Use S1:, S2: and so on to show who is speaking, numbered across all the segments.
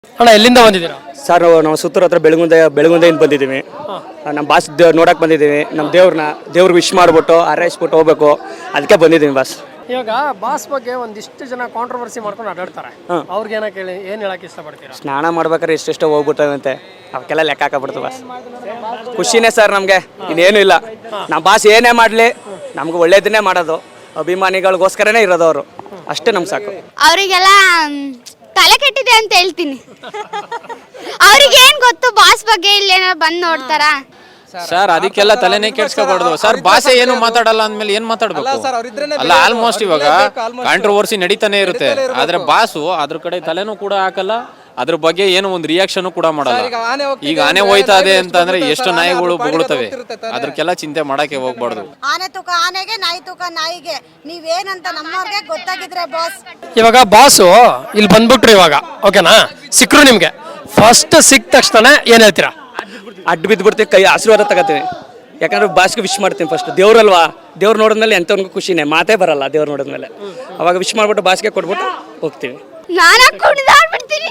S1: ಅಣ್ಣ ಎಲ್ಲಿಂದ ಬಂದಿದ್ದೀರಾ?
S2: ಸರ್ ನಾವು ಸುತ್ತೂರು ಹತ್ರ ಬೆಳಗುಂದೆಯಿಂದ ಬಂದಿದ್ದೀವಿ. ನಮ್ಮ ಬಾಸ್ ನೋಡಕ್ಕೆ ಬಂದಿದ್ದೀವಿ. ನಮ್ಮ ದೇವ್ರಿಗೆ ವಿಶ್ ಮಾಡಿಬಿಟ್ಟು ಹಾರೈಸ್ಬಿಟ್ಟು ಹೋಗ್ಬೇಕು, ಅದಕ್ಕೆ ಬಂದಿದ್ದೀವಿ ಬಾಸ್.
S1: ಇವಾಗ ಬಾಸ್ ಬಗ್ಗೆ ಒಂದಿಷ್ಟು ಜನ ಕಾಂಟ್ರವರ್ಸಿ ಮಾಡ್ಕೊಂಡು ಅಡ್ಡಾಡ್ತಾರೆ. ಅವ್ರಿಗೆ ಏನು ಹೇಳಕ್ಕೆ ಇಷ್ಟಪಡ್ತೀರಾ?
S2: ಸ್ನಾನ ಮಾಡ್ಬೇಕಾದ್ರೆ ಎಷ್ಟೆಷ್ಟೋ ಹೋಗ್ಬಿಟ್ಟವಂತೆ, ಅವಕ್ಕೆಲ್ಲ ಲೆಕ್ಕ ಹಾಕಬಿಡ್ತು ಬಾಸ್. ಖುಷಿನೇ ಸರ್ ನಮಗೆ, ಇನ್ನೇನು ಇಲ್ಲ. ನಮ್ಮ ಬಾಸ್ ಏನೇ ಮಾಡಲಿ ನಮ್ಗೆ ಒಳ್ಳೇದನ್ನೇ ಮಾಡೋದು, ಅಭಿಮಾನಿಗಳಿಗೋಸ್ಕರನೇ ಇರೋದು ಅವರು, ಅಷ್ಟೇ ನಮ್ಗೆ ಸಾಕು.
S3: ಅವರಿಗೆಲ್ಲ ತಲೆ ಕೆಟ್ಟಿದೆ ಅಂತ ಹೇಳ್ತೀನಿ. ಅವ್ರಿಗೆ ಏನ್ ಗೊತ್ತು ಬಾಸ್ ಬಗ್ಗೆ, ಇಲ್ಲಿ ಏನಾರ ಬಂದ್ ನೋಡ್ತಾರ
S4: ಸರ್? ಅದಕ್ಕೆಲ್ಲ ತಲೆನೇ ಕೆಡ್ಸ್ಕೋಬಾರ್ದು ಸರ್. ಭಾಷೆ ಏನು ಮಾತಾಡಲ್ಲ ಅಂದ್ಮೇಲೆ ಏನ್ ಮಾತಾಡ್ಬೇಕು? ಅಲ್ಲ, ಆಲ್ಮೋಸ್ಟ್ ಇವಾಗ ಕಾಂಟ್ರವರ್ಸಿ ನಡೀತಾನೆ ಇರುತ್ತೆ, ಆದ್ರೆ ಬಾಸು ಅದ್ರ ಕಡೆ ತಲೆನೂ ಕೂಡ ಹಾಕಲ್ಲ, ಅದ್ರ ಬಗ್ಗೆ ಏನು ಒಂದು ರಿಯಾಕ್ಷನ್ ಕೂಡ ಮಾಡಲ್ಲ. ಈಗ ಆನೆ ಹೋಯ್ತಾ ಇದೆ ಅಂತಂದ್ರೆ ಎಷ್ಟು ನಾಯಿಗಳು ಬೊಗಳ್ತವೆ, ಅದಕ್ಕೆಲ್ಲ ಚಿಂತೆ ಮಾಡಕ್ಕೆ ಹೋಗ್ಬಾರ್ದು.
S5: ಆನೆ ತೂಕ ಆನೆಗೆ, ನಾಯಿ ತೂಕ ನಾಯಿಗೆ, ನೀವೇನಂತ ನಮ್ಮವ್ರಿಗೆ ಗೊತ್ತಾಗಿದ್ರೆ ಬಾಸ್.
S1: ಇವಾಗ ಬಾಸು ಇಲ್ಲಿ ಬಂದ್ಬಿಟ್ರು, ಇವಾಗ ಓಕೆನಾ, ಸಿಕ್ಕರು ನಿಮ್ಗೆ. ಫಸ್ಟ್ ಸಿಕ್ಕ ತಕ್ಷಣ ಏನ್ ಹೇಳ್ತೀರಾ?
S2: ಅಡ್ಡು ಬಿದ್ದುಬಿಡ್ತೀವಿ, ಕೈ ಆಶೀರ್ವಾದ ತಗೋತೀವಿ. ಯಾಕಂದ್ರೆ ಬಾಸ್ಗೆ ವಿಶ್ ಮಾಡ್ತೀನಿ ಫಸ್ಟ್. ದೇವ್ರಲ್ವಾ, ದೇವ್ರು ನೋಡಿದ್ಮೇಲೆ ಎಂಥವ್ರಿಗೂ ಖುಷಿನೇ, ಮಾತೇ ಬರಲ್ಲ ದೇವ್ರು ನೋಡಿದ್ಮೇಲೆ. ಅವಾಗ ವಿಶ್ ಮಾಡ್ಬಿಟ್ಟು ಬಾಸ್ಗೆ ಕೊಟ್ಬಿಟ್ಟು ಹೋಗ್ತೀವಿ.
S3: ನಾನ ಕುಣಿದಾಡ್ಬಿಡ್ತೀನಿ,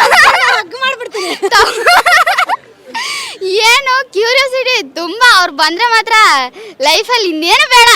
S3: ಏನು ಕ್ಯೂರಿಯಾಸಿಟಿ ತುಂಬಾ. ಅವ್ರು ಬಂದ್ರೆ ಮಾತ್ರ ಲೈಫಲ್ಲಿ ಇನ್ನೇನು ಬೇಡ.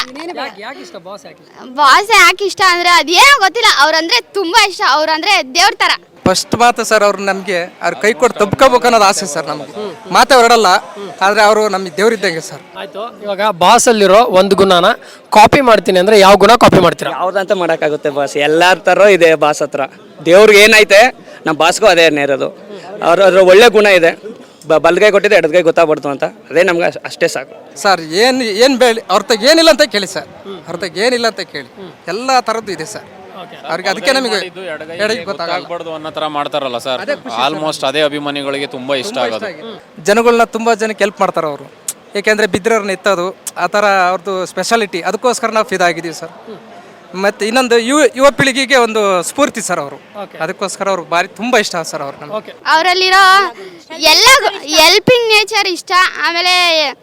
S3: ಬಾಸ್ ಯಾಕೆ ಇಷ್ಟ ಅಂದ್ರೆ ಅದೇನೋ ಗೊತ್ತಿಲ್ಲ, ಅವ್ರಂದ್ರೆ ತುಂಬಾ ಇಷ್ಟ. ಅವ್ರಂದ್ರೆ ದೇವ್ರ ತರ.
S6: ಫಸ್ಟ್ ಮಾತು ಸರ್, ಅವ್ರು ನಮಗೆ ಅವ್ರ ಕೈ ಕೊಟ್ಟು ತಬ್ಕೋಬೇಕು ಅನ್ನೋದು ಆಸೆ ಸರ್ ನಮಗೆ. ಮಾತೇ ಹೊರಡಲ್ಲ, ಆದ್ರೆ ಅವರು ನಮಗೆ ದೇವ್ರಿದ್ದಂಗೆ ಸರ್.
S1: ಆಯ್ತು, ಇವಾಗ ಬಾಸ್ ಅಲ್ಲಿರೋ ಒಂದು ಗುಣನ ಕಾಪಿ ಮಾಡ್ತೀನಿ ಅಂದ್ರೆ ಯಾವ ಗುಣ ಕಾಪಿ ಮಾಡ್ತೀರಾ?
S2: ಯಾವ್ದಂತ ಮಾಡೋಕ್ಕಾಗುತ್ತೆ ಬಾಸ್, ಎಲ್ಲರ ಥರ ಇದೆ ಬಾಸ್ ಹತ್ರ. ದೇವ್ರಿಗೆ ಏನೈತೆ ನಮ್ಮ ಬಾಸ್ಗೂ ಅದೇ ಇರೋದು. ಅದ್ರ ಒಳ್ಳೆ ಗುಣ ಇದೆ, ಬಲ್ಗೈ ಕೊಟ್ಟಿದೆ ಎಡಗೈ ಗೊತ್ತಾಗ್ಬಿಡ್ತು ಅಂತ, ಅದೇ ನಮ್ಗೆ ಅಷ್ಟೇ ಸಾಕು
S6: ಸರ್. ಏನು ಬೇಳಿ ಅವ್ರ ತಗ ಏನಿಲ್ಲ ಅಂತ ಕೇಳಿ ಸರ್, ಅವ್ರ ತಗ ಏನಿಲ್ಲ ಅಂತ ಕೇಳಿ, ಎಲ್ಲ ಥರದ್ದು ಇದೆ ಸರ್ ಅವ್ರಿಗೆ. ಅದಕ್ಕೆ ನಮಗೆ
S4: ಗೊತ್ತಾಗಬಾರ್ದು ಅನ್ನೋ ತರ ಮಾಡ್ತಾರಲ್ಲ ಸರ್, ಆಲ್ಮೋಸ್ಟ್ ಅದೇ ಅಭಿಮಾನಿಗಳಿಗೆ ತುಂಬಾ ಇಷ್ಟ ಆಗೋದು.
S6: ಜನಗಳನ್ನ ತುಂಬಾ ಜನಕ್ಕೆ ಹೆಲ್ಪ್ ಮಾಡ್ತಾರೆ ಅವರು, ಏಕೆಂದ್ರೆ ಬಿದ್ದಿರೋರ್ನ ಎತ್ತೋದು ಆ ಥರ ಅವ್ರದ್ದು ಸ್ಪೆಷಾಲಿಟಿ. ಅದಕ್ಕೋಸ್ಕರ ನಾವು ಫಿದಾಗಿದ್ದೀವಿ ಸರ್. ಮತ್ತೆ ಇನ್ನೊಂದು ಯುವ ಪೀಳಿಗೆಗೆ ಒಂದು ಸ್ಫೂರ್ತಿ ಸರ್ ಅವರು, ಅದಕ್ಕೋಸ್ಕರ ಅವ್ರು ಭಾರಿ ತುಂಬಾ ಇಷ್ಟ ಸರ್ ಅವ್ರು ನಮ್ಗೆ.
S3: ಅವರಲ್ಲಿರೋ ಎಲ್ಲ ಹೆಲ್ಪಿಂಗ್ ನೇಚರ್ ಇಷ್ಟ. ಆಮೇಲೆ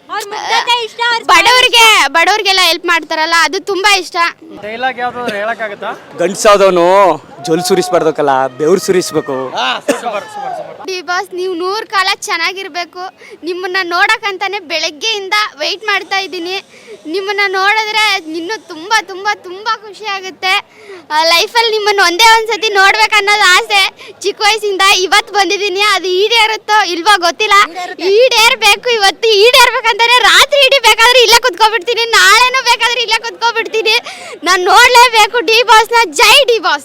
S3: ಬಡವ್ರಿಗೆಲ್ಲ ಹೆಲ್ಪ್ ಮಾಡ್ತಾರಲ್ಲ, ಅದು ತುಂಬಾ ಇಷ್ಟ.
S1: ಡೈಲಾಗ್ ಯಾವ್ದಾದ್ರು ಹೇಳಕ್ಕಾಗತ್ತಾ?
S2: ಗಂಡ್ಸಾದವನು ಜೊಲ್ ಸುರಿಸ್ಬಾರ್ದಕ್ಕಲ್ಲ, ಬೆವ್ರು ಸುರಿಸ್ಬೇಕು.
S3: ಡಿ ಬಾಸ್, ನೀವು 100 ಕಾಲ ಚೆನ್ನಾಗಿರ್ಬೇಕು. ನಿಮ್ಮನ್ನ ನೋಡಕ್ಕಂತಾನೆ ಬೆಳಗ್ಗೆಯಿಂದ ವೆಯ್ಟ್ ಮಾಡ್ತಾ ಇದ್ದೀನಿ. ನಿಮ್ಮನ್ನ ನೋಡಿದ್ರೆ ಇನ್ನೂ ತುಂಬಾ ತುಂಬಾ ತುಂಬಾ ಖುಷಿ ಆಗುತ್ತೆ. ಲೈಫಲ್ಲಿ ನಿಮ್ಮನ್ನು ಒಂದೇ ಒಂದ್ಸತಿ ನೋಡ್ಬೇಕನ್ನೋದು ಆಸೆ ಚಿಕ್ಕ ವಯಸ್ಸಿಂದ. ಇವತ್ತು ಬಂದಿದ್ದೀನಿ, ಅದು ಈಡೇರುತ್ತೋ ಇಲ್ವೋ ಗೊತ್ತಿಲ್ಲ. ಈಡೇರ್ಬೇಕು, ಇವತ್ತು ಈಡೇರ್ಬೇಕಂತಾನೆ ರಾತ್ರಿ ಇಡೀ ಬೇಕಾದ್ರೆ ಇಲ್ಲೇ ಕುತ್ಕೊಬಿಡ್ತೀನಿ, ನಾಳೆನೂ ಬೇಕಾದ್ರೆ ಇಲ್ಲೇ ಕುತ್ಕೊಬಿಡ್ತೀನಿ. ನಾನು ನೋಡ್ಲೇಬೇಕು ಡಿ ಬಾಸ್ನ. ಜೈ ಡಿ ಬಾಸ್.